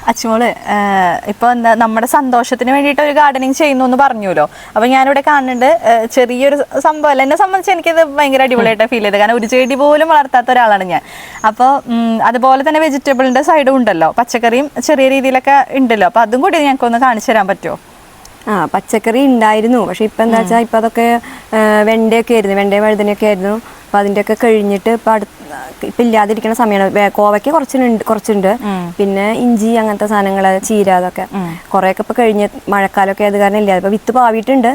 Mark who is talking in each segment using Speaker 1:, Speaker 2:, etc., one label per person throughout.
Speaker 1: അച്ചുമോള് ഇപ്പൊ എന്താ നമ്മുടെ സന്തോഷത്തിന് വേണ്ടിയിട്ട് ഒരു ഗാർഡനിങ് ചെയ്യുന്നു എന്ന് പറഞ്ഞല്ലോ. അപ്പൊ ഞാനിവിടെ കാണുന്നുണ്ട് ചെറിയൊരു സംഭവം. എന്നെ സംബന്ധിച്ച് എനിക്കത് ഭയങ്കര അടിപൊളിയായിട്ട് ഫീൽ ചെയ്തത്. കാരണം ഒരു ചെടി പോലും വളർത്താത്ത ഒരാളാണ് ഞാൻ. അപ്പോൾ അതുപോലെ തന്നെ വെജിറ്റബിളിന്റെ സൈഡും ഉണ്ടല്ലോ, പച്ചക്കറിയും ചെറിയ രീതിയിലൊക്കെ ഉണ്ടല്ലോ. അപ്പൊ അതും കൂടി ഞങ്ങൾക്കൊന്ന് കാണിച്ചു തരാൻ പറ്റുമോ?
Speaker 2: പച്ചക്കറി ഉണ്ടായിരുന്നു, പക്ഷെ ഇപ്പം എന്താ വെച്ചാൽ ഇപ്പം അതൊക്കെ വെണ്ടയൊക്കെ ആയിരുന്നു, വെണ്ടയും വഴുതനയൊക്കെ ആയിരുന്നു. അപ്പം അതിൻ്റെയൊക്കെ കഴിഞ്ഞിട്ട് ഇപ്പം ഇപ്പം ഇല്ലാതിരിക്കുന്ന സമയമാണ്. കോവയ്ക്ക് കുറച്ചുണ്ട്, പിന്നെ ഇഞ്ചി അങ്ങനത്തെ സാധനങ്ങൾ, ചീര, അതൊക്കെ കുറേയൊക്കെ ഇപ്പം കഴിഞ്ഞ് മഴക്കാലമൊക്കെ ആയത് കാരണം ഇല്ല. ഇപ്പം വിത്ത് പാവിയിട്ടുണ്ട്.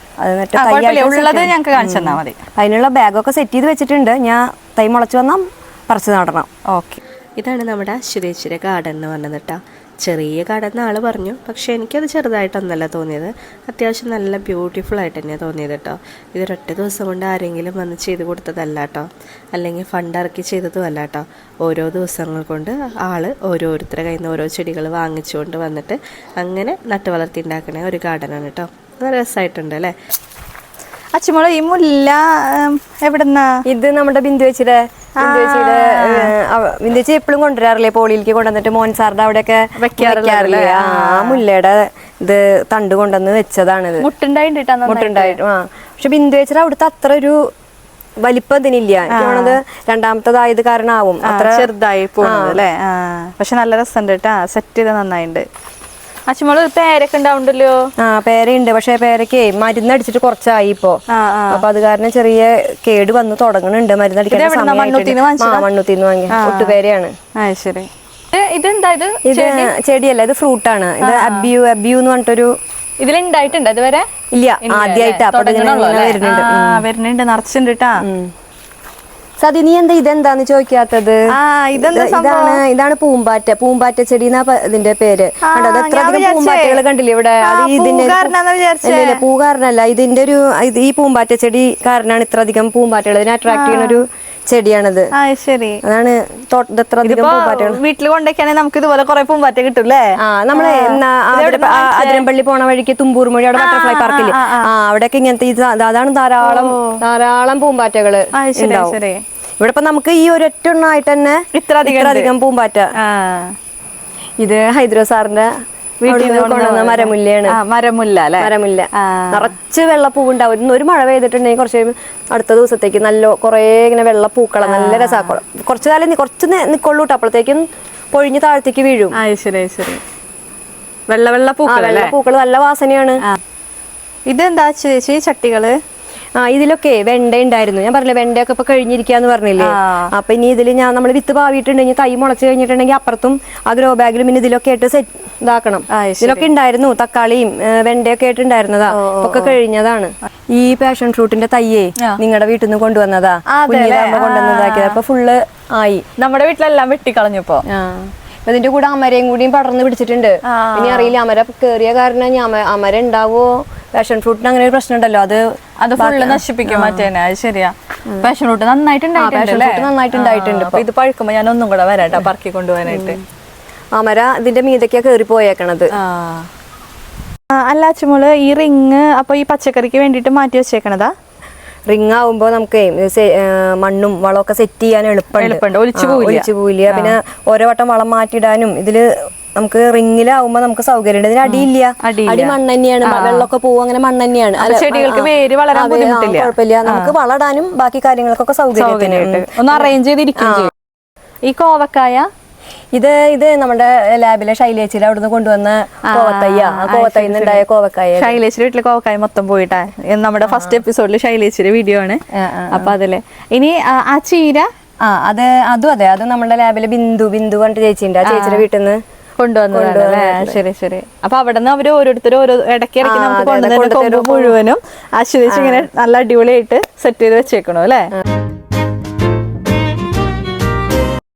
Speaker 1: ഉള്ളത് ഞങ്ങൾക്ക് കാണിച്ചു തന്നാൽ മതി.
Speaker 2: അതിനുള്ള ബാഗൊക്കെ സെറ്റ് ചെയ്ത് വെച്ചിട്ടുണ്ട്. ഞാൻ തൈ മുളച്ച് വന്നാൽ പറിച്ച് നടണം.
Speaker 3: ഓക്കെ, ഇതാണ് നമ്മുടെ അശ്വതേച്ചിയുടെ ഗാർഡൻ എന്ന് പറഞ്ഞത് കേട്ടോ. ചെറിയ ഗാർഡൻ ആൾ പറഞ്ഞു, പക്ഷേ എനിക്കത് ചെറുതായിട്ടൊന്നല്ല തോന്നിയത്, അത്യാവശ്യം നല്ല ബ്യൂട്ടിഫുൾ ആയിട്ട് തന്നെയാണ് തോന്നിയത് കേട്ടോ. ഇതൊരൊറ്റ ദിവസം കൊണ്ട് ആരെങ്കിലും വന്ന് ചെയ്ത് കൊടുത്തതല്ല കേട്ടോ, അല്ലെങ്കിൽ ഫണ്ട് ഇറക്കി ചെയ്തതുമല്ല കേട്ടോ. ഓരോ ദിവസങ്ങൾ കൊണ്ട് ഓരോരുത്തരുടെ കയ്യിൽ നിന്ന് ഓരോ ചെടികൾ വാങ്ങിച്ചുകൊണ്ട് വന്നിട്ട് അങ്ങനെ നട്ട് വളർത്തി ഉണ്ടാക്കണ ഒരു ഗാർഡനാണ് കേട്ടോ. നല്ല രസമായിട്ടുണ്ട് അല്ലേ.
Speaker 1: അച്ചുമോള് ഈ മുല്ല എവിടുന്നാ?
Speaker 2: ഇത് നമ്മുടെ ബിന്ദുവേച്ചിയുടെ ബിന്ദുവേച്ചി എപ്പോഴും കൊണ്ടുവരാറില്ലേ, പോളിയിലേക്ക് കൊണ്ടുവന്നിട്ട് മോൻസാറിന്റെ അവിടെയൊക്കെ വെക്കാറില്ലേ. ആ മുല്ലയുടെ ഇത് തണ്ട് കൊണ്ടുവന്ന് വെച്ചതാണിത്. മുട്ടുണ്ടായിട്ട്. പക്ഷെ ബിന്ദുവേച്ചിയുടെ അവിടുത്തെ അത്ര ഒരു വലിപ്പം ഇതിനില്ല. എനിക്കത് രണ്ടാമത്തതായത് കാരണമാവും അത്ര
Speaker 1: ചെറുതായി പോകുന്നത് അല്ലേ. പക്ഷെ നല്ല രസമുണ്ട് കേട്ടാ, സെറ്റ് ചെയ്ത് നന്നായിട്ടുണ്ട്. അച്ചുമോള് പേരൊക്കെ ഉണ്ടാവുണ്ടല്ലോ.
Speaker 2: പേരയുണ്ട്, പക്ഷെ പേരക്ക് മരുന്നടിച്ചിട്ട് കുറച്ചായി ഇപ്പോ. അപ്പൊ അത് കാരണം ചെറിയ കേട് വന്ന് തുടങ്ങുന്നുണ്ട്. മരുന്നടിക്കാൻ മണ്ണുത്തിന്ന് വാങ്ങി ഒട്ടുപേരയാണ്.
Speaker 1: ഇത്
Speaker 2: ചെടിയല്ല, ഇത് ഫ്രൂട്ടാണ്. ഇത് അബ്യൂ എന്ന് പറഞ്ഞിട്ടൊരു.
Speaker 1: ഇതിലുണ്ടായിട്ടുണ്ട് ഇതുവരെ?
Speaker 2: ഇല്ല, ആദ്യമായിട്ടാ
Speaker 1: വരുന്നുണ്ട്, നിറച്ചുണ്ട് കേട്ടാ.
Speaker 2: സതി, നീ എന്താ ഇതെന്താന്ന് ചോദിക്കാത്തത്? ഇതാണ് പൂമ്പാറ്റ ചെടി എന്നാ ഇതിന്റെ പേര്. പൂമ്പാറ്റകൾ കണ്ടില്ലേ ഇവിടെ? പൂ കാരണല്ല, ഇതിന്റെ ഒരു ഈ പൂമ്പാറ്റ ചെടി കാരണമാണ് ഇത്ര അധികം പൂമ്പാറ്റകൾ. ഇതിനെ അട്രാക്ട് ചെയ്യുന്ന ഒരു ചെടിയാണിത്. അതാണ് ഇത്ര അധികം പൂമ്പാറ്റകൾ.
Speaker 1: വീട്ടിൽ കൊണ്ടേക്കാണെങ്കിൽ നമുക്ക് ഇതുപോലെ കുറെ പൂമ്പാറ്റ കിട്ടൂല്ലേ?
Speaker 2: നമ്മളെ അതിരമ്പള്ളി പോണ വഴിക്ക് തുമ്പൂർ മൊഴി അവിടെ ബട്ടർഫ്ലൈ പാർക്കില് അവിടെയൊക്കെ ഇങ്ങനത്തെ അതാണ് ധാരാളം പൂമ്പാറ്റകള് ഉണ്ടാവും. ഇവിടെ ഇപ്പൊ നമുക്ക് ഈ ഒരൊറ്റ എണ്ണമായിട്ട് തന്നെ ഇത്ര അധികം പൂമ്പാറ്റ. ഇത് ഹൈദ്രോ സാറിന്റെ വീട്ടിൽ കൊണ്ടുവന്ന മരമുല്ലയാണ്. മരമുല്ല നിറച്ച് വെള്ളപ്പൂവുണ്ടാവും. ഒരു മഴ പെയ്തിട്ടുണ്ടെങ്കിൽ കുറച്ച് അടുത്ത ദിവസത്തേക്ക് നല്ല കുറെ ഇങ്ങനെ വെള്ളപ്പൂക്കളം, നല്ല രസമാക്കണം. കുറച്ച് കാലം കുറച്ച് നിക്കൊള്ളൂ കേട്ടോ, അപ്പോഴത്തേക്കും പൊഴിഞ്ഞ് താഴത്തേക്ക് വീഴും. വെള്ളപ്പൂക്കൾ നല്ല വാസനയാണ്.
Speaker 1: ഇതെന്താ ചേച്ചി ചട്ടികള്?
Speaker 2: ഇതിലൊക്കെ വെണ്ട ഉണ്ടായിരുന്നു. ഞാൻ പറഞ്ഞില്ലേ വെണ്ടയൊക്കെ ഇപ്പൊ കഴിഞ്ഞിരിക്കാന്ന് പറഞ്ഞില്ലേ. അപ്പൊ ഇനി ഇതിൽ നമ്മൾ വിത്ത് പാവിയിട്ടുണ്ടെങ്കിൽ തൈ മുളച്ച് കഴിഞ്ഞിട്ടുണ്ടെങ്കിൽ അപ്പുറത്തും ആ ഗ്രോ ബാഗിലും പിന്നെ ഇതിലൊക്കെ ആയിട്ട് സെറ്റ് ഇതാക്കണം. ഇതിലൊക്കെ ഉണ്ടായിരുന്നു, തക്കാളിയും വെണ്ടയൊക്കെ ആയിട്ട് ഉണ്ടായിരുന്നതാ, ഒക്കെ കഴിഞ്ഞതാണ്. ഈ പാഷൻ ഫ്രൂട്ടിന്റെ തയ്യേ നിങ്ങളുടെ വീട്ടിൽ നിന്ന് കൊണ്ടുവന്നതാ, കൊണ്ടുവന്നതാക്കിയത്. അപ്പൊ ഫുള്ള് ആയി.
Speaker 1: നമ്മുടെ വീട്ടിലെല്ലാം വെട്ടിക്കളഞ്ഞപ്പോ
Speaker 2: ഇതിന്റെ കൂടെ അമരയും കൂടിയും പടർന്ന് പിടിച്ചിട്ടുണ്ട്. ഇനി അറിയില്ല അമര കേറിയ കാരണം അമര ഉണ്ടാവോ. പാഷൻ ഫ്രൂട്ടിന് അങ്ങനെ ഒരു പ്രശ്നം ഉണ്ടല്ലോ,
Speaker 1: അത് ഫുള്ള് നശിപ്പിക്കും മറ്റേനെ. അത് ശരിയാ. പാഷൻ ഫ്രൂട്ട്
Speaker 2: നന്നായിട്ടുണ്ടായിട്ടുണ്ട്.
Speaker 1: ഇത് പഴുക്കുമ്പോ ഞാൻ ഒന്നും കൂടെ വരാട്ടാ പറക്കി കൊണ്ടുപോകാനായിട്ട്.
Speaker 2: അമര ഇതിന്റെ മീതൊക്കെയാ കേറി പോയേക്കണത്.
Speaker 1: അല്ല അച്ചുമോള്, ഈ റിങ് അപ്പൊ ഈ പച്ചക്കറിക്ക് വേണ്ടിട്ട് മാറ്റി വെച്ചേക്കണതാ?
Speaker 2: റിങ് ആവുമ്പോ നമുക്ക് മണ്ണും വളമൊക്കെ സെറ്റ് ചെയ്യാൻ എളുപ്പമുണ്ട്, ഒലിച്ചു പോവില്ല. പിന്നെ ഓരോ വട്ടം വളം മാറ്റിയിടാനും ഇതില് നമുക്ക് റിങ്ങിലാവുമ്പോ നമുക്ക് സൗകര്യമുണ്ട്. ഇതിന് അടിയില്ല, അടി മണ്ണ് തന്നെയാണ്, വെള്ളമൊക്കെ പോവും, അങ്ങനെ മണ്ണ് തന്നെയാണ്.
Speaker 1: ചെടികൾക്ക് വേര് വളരാൻ
Speaker 2: കുഴപ്പമില്ല, നമുക്ക് വളടാനും ബാക്കി കാര്യങ്ങൾക്കൊക്കെ സൗകര്യമായിട്ട്
Speaker 1: ഒന്ന് അറേഞ്ച് ചെയ്തിരിക്കും. ഈ കോവക്കായ
Speaker 2: ഇത് നമ്മുടെ ലാബിലെ ശൈലേച്ചിയുടെ അവിടുന്ന് കൊണ്ടുവന്ന കോവത്തൈന്നുണ്ടായ കോവക്കായ.
Speaker 1: ശൈലേച്ചിയുടെ വീട്ടിലെ കോവക്കായ മൊത്തം പോയിട്ടാ. നമ്മുടെ ഫസ്റ്റ് എപ്പിസോഡില് ശൈലേച്ചിയുടെ വീഡിയോ ആണ്. അപ്പൊ അതില് ഇനി ആ ചീര
Speaker 2: അതും അതെ, അത് നമ്മുടെ ലാബിലെ ബിന്ദു പറഞ്ഞിട്ട് ചേച്ചിണ്ട്, ആ ചേച്ചിയുടെ വീട്ടിൽ നിന്ന്
Speaker 1: കൊണ്ടുവന്നതല്ലേ. ശരി. അപ്പൊ അവിടെ നിന്ന് അവര് ഓരോരുത്തരും ഓരോ ഇടയ്ക്ക് നമുക്ക് കൊണ്ടുവന്നിട്ട് മുഴുവനും ആശ്വസിച്ച് ഇങ്ങനെ നല്ല അടിപൊളിയായിട്ട് സെറ്റ് ചെയ്ത് വെച്ചേക്കണു അല്ലേ.